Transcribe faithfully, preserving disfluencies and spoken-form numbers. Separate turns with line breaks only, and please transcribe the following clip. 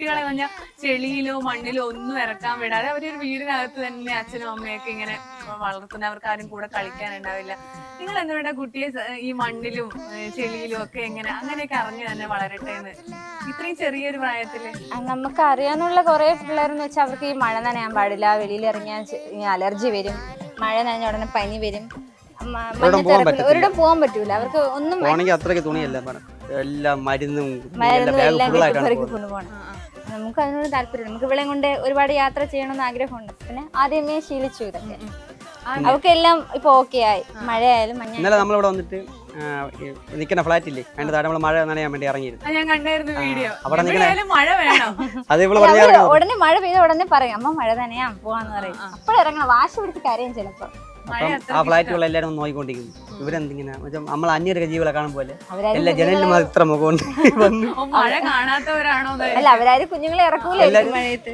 കുട്ടികളെ പറഞ്ഞാൽ ചെളിയിലോ മണ്ണിലോ ഒന്നും ഇറക്കാൻ വിടാതെ അവരൊരു വീടിനകത്ത് തന്നെ അച്ഛനും അമ്മയൊക്കെ ഇങ്ങനെ വളർത്തുന്ന, അവർക്ക് ആരും കൂടെ കളിക്കാനുണ്ടാവില്ല. നിങ്ങൾ എന്തുകൊണ്ടാ കുട്ടിയെ ഈ മണ്ണിലും ചെളിയിലും ഒക്കെ എങ്ങനെ അങ്ങനെയൊക്കെ അറിഞ്ഞു തന്നെ വളരട്ടെ എന്ന് ഇത്രയും ചെറിയൊരു പ്രായത്തില്?
നമുക്ക് അറിയാന്നുള്ള കുറെ പിള്ളേരെന്ന് വെച്ചാൽ അവർക്ക് ഈ മഴ നനയാൻ പാടില്ല, വെളിയിൽ ഇറങ്ങിയാൽ അലർജി വരും, മഴ നനഞ്ഞ ഉടനെ പനി വരും, ഒരിടം പോകാൻ പറ്റൂല, അവർക്ക് ഒന്നും
അത്രയ്ക്ക് തുണിയല്ല എല്ലാം മരുന്നും
മരുന്നും എല്ലാം കൊണ്ടുപോകണം. നമുക്ക് അതിനോട് താല്പര്യം, നമുക്ക് ഇവിടെ കൊണ്ട് ഒരുപാട് യാത്ര ചെയ്യണമെന്ന് ആഗ്രഹമുണ്ട്. പിന്നെ ആദ്യമേ ശീലിച്ചു ഇതൊക്കെ, അവർക്കെല്ലാം ഇപ്പൊ ഓക്കെ ആയി. മഴയായാലും മഞ്ഞ.
ഇന്നലെ നമ്മളിവിടെ വന്നിട്ട് നിൽക്കുന്ന ഫ്ലാറ്റ് ഇല്ലേ, അതിന്റെ താഴെ നമ്മൾ മഴ നനയാൻ വേണ്ടി ഇറങ്ങിയിരുന്നു.
ഞാൻ കണ്ടായിരുന്നു വീഡിയോ.
അവിടെ
മഴ വേണം,
ഉടനെ മഴ പെയ്ത ഉടനെ പറയും അമ്മ മഴ നനയാൻ പോവാന്ന് പറയും. അപ്പോഴിറങ്ങണം, വാശി പിടിച്ച് കരയും ചിലപ്പോ.
ആ ഫ്ലാറ്റുകൾ എല്ലാവരും നോക്കിക്കൊണ്ടിരിക്കുന്നു. ഇവരെന്തിങ്ങനെ നമ്മൾ അന്യരൊക്കെ ജീവികളെ കാണുമ്പോലെ എല്ലാ ജനലിലും മാത്രം മുഖം
മഴ കാണാത്തവരാണോ?
അല്ല, അവരാരും കുഞ്ഞുങ്ങളെ ഇറക്കൂല മഴയത്ത്.